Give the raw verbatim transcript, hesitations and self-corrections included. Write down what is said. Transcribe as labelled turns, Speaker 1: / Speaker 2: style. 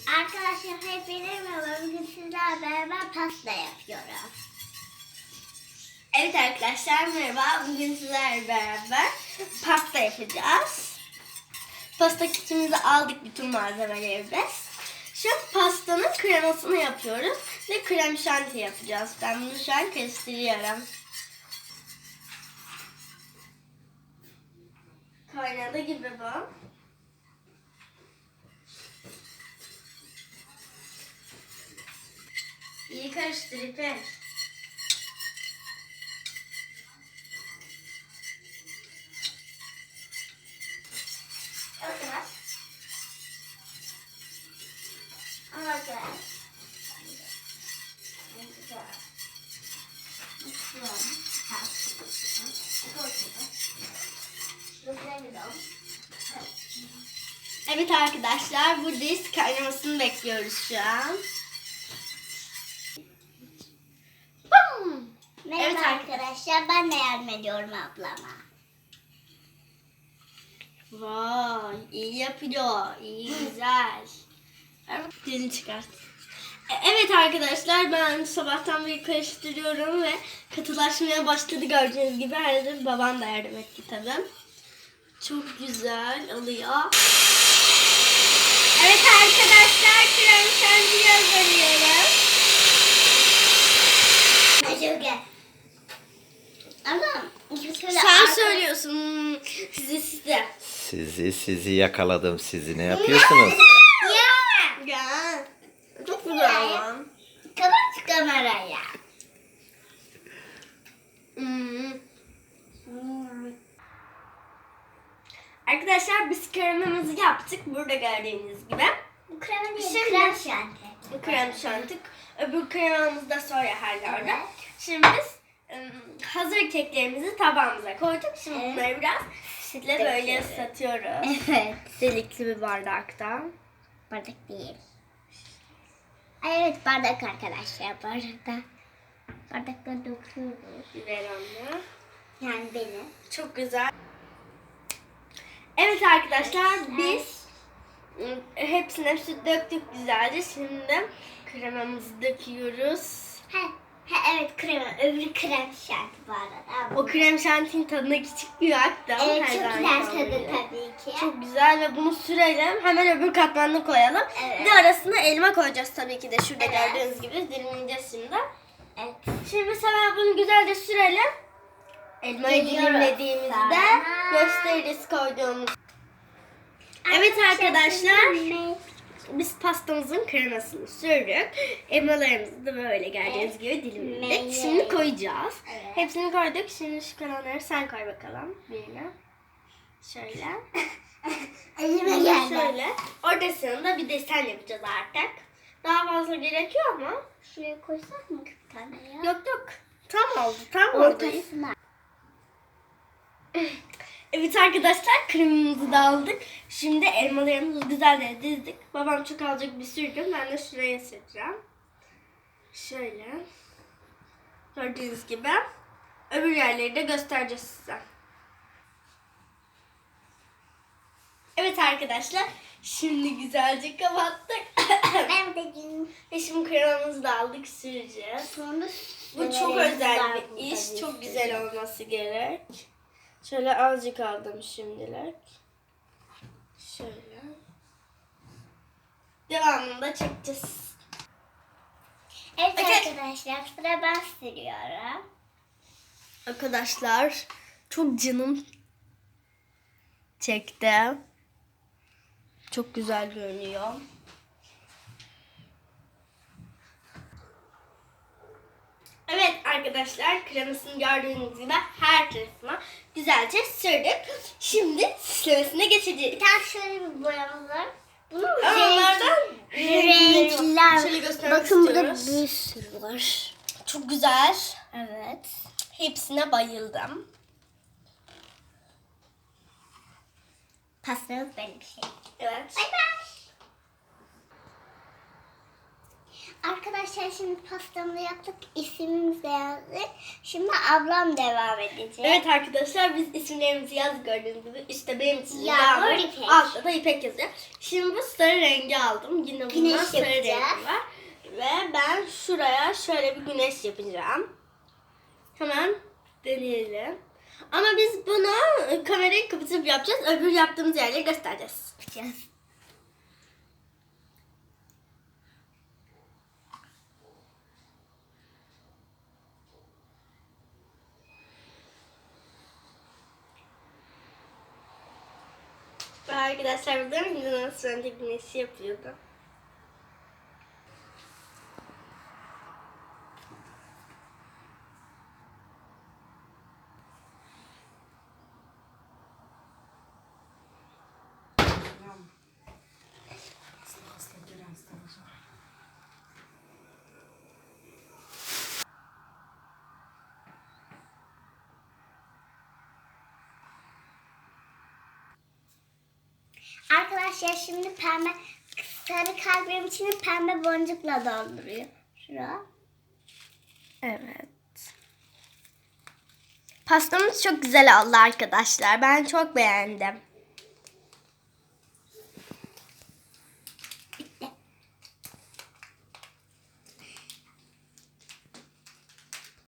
Speaker 1: Arkadaşlar hepinize merhaba. Bugün sizlerle beraber pasta yapıyorum.
Speaker 2: Evet arkadaşlar merhaba. Bugün sizlerle beraber pasta yapacağız. Pasta kitimizi aldık, bütün malzemelerimiz. Şu pastanın kremasını yapıyoruz ve krem şanti yapacağız. Ben bunu şu an karıştırıyorum. Kaynadı gibi bu. İyi karıştır İpek.
Speaker 1: Arkadaş. Arkadaş.
Speaker 2: Evet arkadaşlar, buradayız. Kaynamasını bekliyoruz şu an.
Speaker 1: Merhaba
Speaker 2: Evet
Speaker 1: arkadaşlar. Ben de yardım ediyorum ablama.
Speaker 2: Vay, iyi yapıyor. İyi, güzel. Dilini çıkart. E, Evet arkadaşlar, ben sabahtan beri karıştırıyorum ve katılaşmaya başladı gördüğünüz gibi. Herhalde babam da yardım etti tabii. Çok güzel oluyor. Evet arkadaşlar, krem şanti hazırlıyorum.
Speaker 1: Çok Ama
Speaker 2: Sen söylüyorsun. Sizi size.
Speaker 3: Sizi sizi yakaladım. Sizi ne yapıyorsunuz?
Speaker 1: Ya.
Speaker 2: Ya. Çok güzel lan.
Speaker 1: Kapat kameraya.
Speaker 2: Hmm. Arkadaşlar biz kremamızı yaptık. Burada gördüğünüz gibi.
Speaker 1: Bu krema değil,
Speaker 2: Şimdi-
Speaker 1: krem şanti.
Speaker 2: Bu krem şanti. Öbür kremamız da sonra herhalde.
Speaker 1: Evet.
Speaker 2: Şimdi biz ım, hazır keklerimizi tabağımıza koyduk. Şimdi
Speaker 1: Evet.
Speaker 2: bunları biraz sütle böyle
Speaker 1: Evet.
Speaker 2: ıslatıyoruz.
Speaker 1: Evet.
Speaker 2: Delikli bir bardakta.
Speaker 1: Bardak değil. Ay evet, bardak arkadaşlar, bardakta. Bardakta döküyoruz.
Speaker 2: Ver anne.
Speaker 1: Yani benim.
Speaker 2: Çok güzel. Evet arkadaşlar, biz ım, hepsine süt döktük güzelce. Şimdi kremamızı döküyoruz.
Speaker 1: He, he evet, krema. Öbürü krem şanti bu arada.
Speaker 2: O krem şantinin tadına küçük bir hatta.
Speaker 1: Evet,
Speaker 2: her
Speaker 1: çok
Speaker 2: zaman
Speaker 1: güzel
Speaker 2: olduğu
Speaker 1: tadı
Speaker 2: gibi.
Speaker 1: tabii ki.
Speaker 2: Çok güzel ve bunu sürelim. Hemen öbür katmanını koyalım.
Speaker 1: Evet.
Speaker 2: Bir de arasına elma koyacağız tabii ki de. Şurada
Speaker 1: Evet.
Speaker 2: gördüğünüz gibi dilimleyeceğiz şimdi.
Speaker 1: Evet.
Speaker 2: Şimdi biz hemen bunu güzelce sürelim. Elmayı
Speaker 1: Geliyoruz.
Speaker 2: dilimlediğimizde
Speaker 1: Sonra-
Speaker 2: gösteririz koyduğumuz. Evet arkadaşlar, biz pastamızın kremasını sürdük. Elmalarımızı da böyle gördüğünüz gibi dilimledik.
Speaker 1: Evet.
Speaker 2: Şimdi koyacağız.
Speaker 1: Evet.
Speaker 2: Hepsini koyduk. Şimdi şu kalanları sen koy bakalım birine. Şöyle.
Speaker 1: Elime geldi.
Speaker 2: Şöyle. Ortasını da bir desen yapacağız artık. Daha fazla gerekiyor ama.
Speaker 1: Şuraya koysak mı bir tane ya?
Speaker 2: Yok yok. Tam oldu. Tam oldu.
Speaker 1: Ortasına.
Speaker 2: Evet arkadaşlar, kremimizi de aldık. Şimdi elmalarımızı güzelce dizdik. Babam çok azıcık bir sürdü. Ben de şuraya süreceğim. Şöyle. Gördüğünüz gibi. Öbür yerleri de göstereceğiz size. Evet arkadaşlar. Şimdi güzelce kapattık.
Speaker 1: Ben de gün
Speaker 2: Ve şimdi kremamızı da aldık, süreceğiz.
Speaker 1: sonra
Speaker 2: Bu çok özel bir iş. Çok güzel olması gerek. Şöyle azıcık aldım şimdilik. Şöyle. Devamında çekeceğiz.
Speaker 1: Evet
Speaker 2: Okey.
Speaker 1: arkadaşlar, sıra ben sürüyorum.
Speaker 2: Arkadaşlar çok canım çekti. Çok güzel görünüyor. Evet arkadaşlar, kremasını gördüğünüz gibi her tarafına güzelce sürdük. Şimdi süslemesine geçeceğiz.
Speaker 1: Bir tane şöyle bir boyamız var. Bunun
Speaker 2: Onlardan
Speaker 1: renkler.
Speaker 2: Şöyle göstermek
Speaker 1: Bakın burada
Speaker 2: istiyoruz.
Speaker 1: bir sürü var.
Speaker 2: Çok güzel.
Speaker 1: Evet.
Speaker 2: Hepsine bayıldım.
Speaker 1: Pastanız benim bir şey.
Speaker 2: Evet.
Speaker 1: Bay bay. Arkadaşlar şimdi pastamızı yaptık. İsmimizi yazdık. Şimdi ablam devam edecek.
Speaker 2: Evet arkadaşlar biz isimlerimizi yazdık gördüğünüz gibi. İşte benim ismim
Speaker 1: Yağmur,
Speaker 2: Yağmur.
Speaker 1: İpek.
Speaker 2: Altta da İpek yazıyor. Şimdi bu sarı rengi aldım. Yine bundan
Speaker 1: Güneş
Speaker 2: sarı rengi
Speaker 1: yapacağız.
Speaker 2: var. Ve ben şuraya şöyle bir güneş yapacağım. Hemen deneyelim. Ama biz bunu kamerayı kapatıp yapacağız. Öbür yaptığımız yerleri göstereceğiz.
Speaker 1: Yapacağız.
Speaker 2: Ve arkadaşlar burada nasıl önce güneşi yapıyordu.
Speaker 1: Arkadaşlar şimdi pembe sarı kalbim içini pembe boncukla dolduruyor. Şura.
Speaker 2: Evet. Pastamız çok güzel oldu arkadaşlar. Ben çok beğendim.